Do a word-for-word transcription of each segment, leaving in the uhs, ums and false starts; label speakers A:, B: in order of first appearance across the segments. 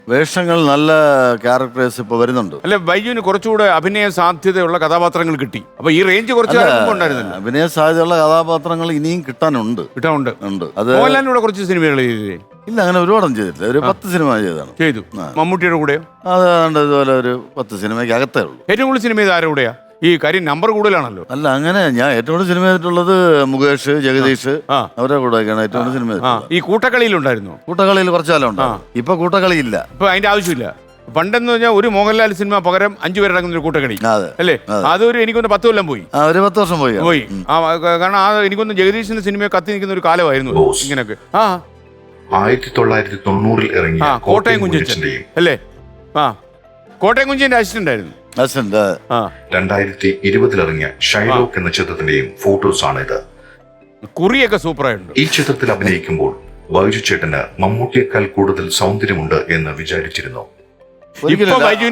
A: വേഷങ്ങൾ നല്ല ക്യാരക്ടേഴ്സ് ഇപ്പൊ വരുന്നുണ്ട്.
B: അല്ല, ബൈജുവിന് കുറച്ചുകൂടെ അഭിനയ സാധ്യതയുള്ള കഥാപാത്രങ്ങൾ കിട്ടി. അപ്പൊ ഈ റേഞ്ച് കുറച്ച് ഉണ്ടായിരുന്നില്ല.
A: അഭിനയ സാധ്യതയുള്ള കഥാപാത്രങ്ങൾ ഇനിയും കിട്ടാനുണ്ട്
B: കിട്ടാനുണ്ട്
A: ഉണ്ട്. അത്
B: മോഹൻലാലിനൂടെ കുറച്ച് സിനിമകൾ ചെയ്തില്ലേ?
A: ഇല്ല, അങ്ങനെ ഒരുപാടൊന്നും ചെയ്തിട്ടില്ല. ഒരു പത്ത് സിനിമ ചെയ്താണ്.
B: ചെയ്തു. മമ്മൂട്ടിയുടെ കൂടെയോ?
A: അത് ഇതുപോലെ ഒരു പത്ത് സിനിമയ്ക്ക് അകത്തേ ഉള്ളൂ.
B: ഏറ്റവും കൂടുതൽ സിനിമ ചെയ്ത് ആരുടെ കൂടെയാ? ഈ കാര്യം നമ്പർ കൂടുതലാണല്ലോ.
A: അല്ല, അങ്ങനെ ഞാൻ ഏറ്റവും കൂടുതൽ സിനിമ ചെയ്തിട്ടുള്ളത് മുകേഷ്, ജഗദീഷ്, അവരുടെ കൂടെയൊക്കെയാണ് ഏറ്റവും കൂടുതൽ സിനിമ ചെയ്തിട്ടുള്ളത്.
B: ഈ കൂട്ടക്കളിയിലുണ്ടായിരുന്നു.
A: കൂട്ടക്കളിയിൽ കുറച്ചു കാലം ഉണ്ട്. ഇപ്പൊ കൂട്ടക്കളിയില്ല.
B: ഇപ്പൊ അതിന്റെ ആവശ്യമില്ല. പണ്ടെന്ന് പറഞ്ഞാൽ ഒരു മോഹൻലാൽ സിനിമ പകരം അഞ്ചു പേരടങ്ങുന്ന ഒരു കൂട്ടക്കളി അല്ലേ? അതൊരു എനിക്കൊന്ന് പത്ത് കൊല്ലം പോയി.
A: ഒരു പത്ത് വർഷം പോയി
B: പോയി കാരണം ആ എനിക്കൊന്ന് ജഗദീഷിന്റെ സിനിമ കത്തി നിൽക്കുന്ന ഒരു കാലമായിരുന്നു ഇങ്ങനെയൊക്കെ. ആ
C: ആയിരത്തി തൊള്ളായിരത്തി തൊണ്ണൂറിൽ ഇറങ്ങിയ
B: കോട്ടയം കുഞ്ചന്റെ അല്ലേ? ആ കോട്ടയം കുഞ്ചന്റെ അസിസ്റ്റന്റ് ആയിരുന്നു.
C: രണ്ടായിരത്തി ഇരുപതിൽ ഇറങ്ങിയ ഷൈലോക്ക് എന്ന ചിത്രത്തിന്റെയും ഫോട്ടോസ് ആണ് ഇത്.
B: കുറിയൊക്കെ സൂപ്പറായിട്ടുണ്ട്.
C: ഈ ചിത്രത്തിൽ അഭിനയിക്കുമ്പോൾ ബൈജു ചേട്ടന് മമ്മൂട്ടിയേക്കാൾ കൂടുതൽ സൗന്ദര്യമുണ്ട് എന്ന് വിചാരിച്ചിരുന്നു.
A: ഇത്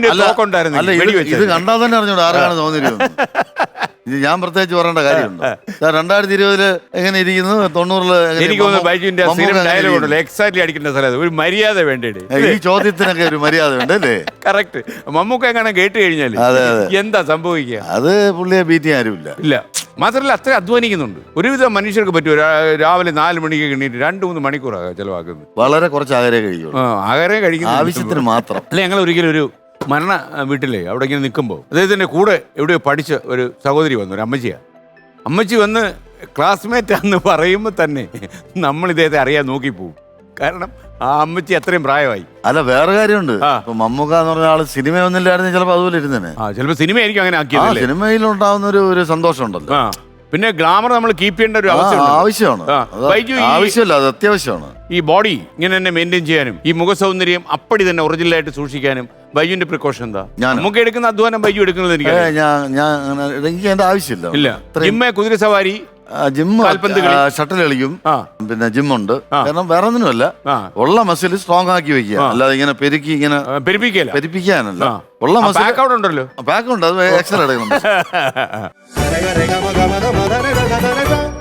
A: കണ്ടാൽ തന്നെ അറിഞ്ഞൂടാ ആരാണ് തോന്നിയിരുന്നത്. ഇത് ഞാൻ പ്രത്യേകിച്ച് പറയേണ്ട കാര്യമുണ്ട്. രണ്ടായിരത്തി ഇരുപതില് എങ്ങനെ ഇരിക്കുന്നു, തൊണ്ണൂറില്
B: എനിക്ക് തോന്നുന്നു എക്സാക്ട്ലി അടിക്കേണ്ട സ്ഥലം ഒരു മര്യാദ വേണ്ടേ?
A: ഈ ചോദ്യത്തിനൊക്കെ ഒരു മര്യാദ ഉണ്ട് അല്ലേ?
B: കറക്റ്റ്. മമ്മൂക്ക എങ്ങനെ കേട്ട് കഴിഞ്ഞാൽ എന്താ സംഭവിക്കുക?
A: അത് പുള്ളിയെ ബീറ്റ് ചെയ്യാൻ ആരുമില്ല.
B: ഇല്ല, മാത്രമല്ല അത്ര അധ്വാനിക്കുന്നുണ്ട്. ഒരുവിധം മനുഷ്യർക്ക് പറ്റുമോ രാവിലെ നാല് മണിക്ക് എണീറ്റ് രണ്ടു മൂന്ന് മണിക്കൂറാണ് ചെലവാക്കുന്നത്.
A: വളരെ കുറച്ച് ആഹാരം കഴിക്കും.
B: ആഹാരം കഴിക്കുന്ന
A: ആവശ്യത്തിന് മാത്രം.
B: അല്ല, ഞങ്ങൾ ഒരിക്കലും ഒരു മരണ വീട്ടിലേ അവിടെ ഇങ്ങനെ നിൽക്കുമ്പോൾ അദ്ദേഹത്തിൻ്റെ കൂടെ എവിടെയോ പഠിച്ച ഒരു സഹോദരി വന്നു, ഒരു അമ്മച്ചിയാണ്. അമ്മച്ചി വന്ന് ക്ലാസ്മേറ്റാന്ന് പറയുമ്പോൾ തന്നെ നമ്മൾ ഇദ്ദേഹത്തെ അറിയാൻ നോക്കിപ്പോവും. കാരണം ആ അമ്മച്ചി അത്രയും പ്രായമായി.
A: അല്ല, വേറെ കാര്യമുണ്ട്. ഇപ്പൊ മമ്മൂക്ക എന്ന് പറഞ്ഞ ആള് സിനിമ ഒന്നില്ലായിരുന്നു ചിലപ്പോൾ അതുപോലെ ഇരുന്നേനെ.
B: ആ ചിലപ്പോൾ സിനിമ ആയിരിക്കും അങ്ങനെ ആക്കിയത്.
A: സിനിമയിൽ ഉണ്ടാവുന്ന ഒരു ഒരു സന്തോഷം ഉണ്ടല്ലോ.
B: ആ പിന്നെ ഗ്ലാമർ നമ്മൾ കീപ്പ് ചെയ്യേണ്ട ഒരു അവസ്ഥ
A: ആവശ്യമാണ്. ആവശ്യമല്ല, അത് അത്യാവശ്യമാണ്.
B: ഈ ബോഡി ഇങ്ങനെ തന്നെ മെയിൻറ്റെയിൻ ചെയ്യാനും ഈ മുഖസൗന്ദര്യം അപ്പടി തന്നെ ഒറിജിനലായിട്ട് സൂക്ഷിക്കാനും ബൈജുവിന്റെ പ്രിക്കോഷൻ എന്താ? നമുക്ക് എടുക്കുന്ന അധ്വാനം ബൈജു എടുക്കുന്നത് എനിക്ക്
A: എനിക്ക് എന്റെ ആവശ്യമില്ല.
B: ഇല്ല, ജിമ്മ, കുതിര സവാരി,
A: ജിമ്മ്, ഷട്ടിൽ കളിക്കും, പിന്നെ ജിമ്മുണ്ട്. കാരണം വേറെ ഒന്നിനുമല്ല, ഉള്ള മസിൽ സ്ട്രോങ് ആക്കി വെക്കുക, അല്ലാതെ ഇങ്ങനെ പെരുക്കി ഇങ്ങനെ
B: പെരുപ്പിക്കല
A: പെരുപ്പിക്കാനല്ല. ഉള്ള മസിൽ
B: ഉണ്ടല്ലോ,
A: ബാക്ക് ഉണ്ട്, അത് എക്സ്ട്രാ എടുക്കണം.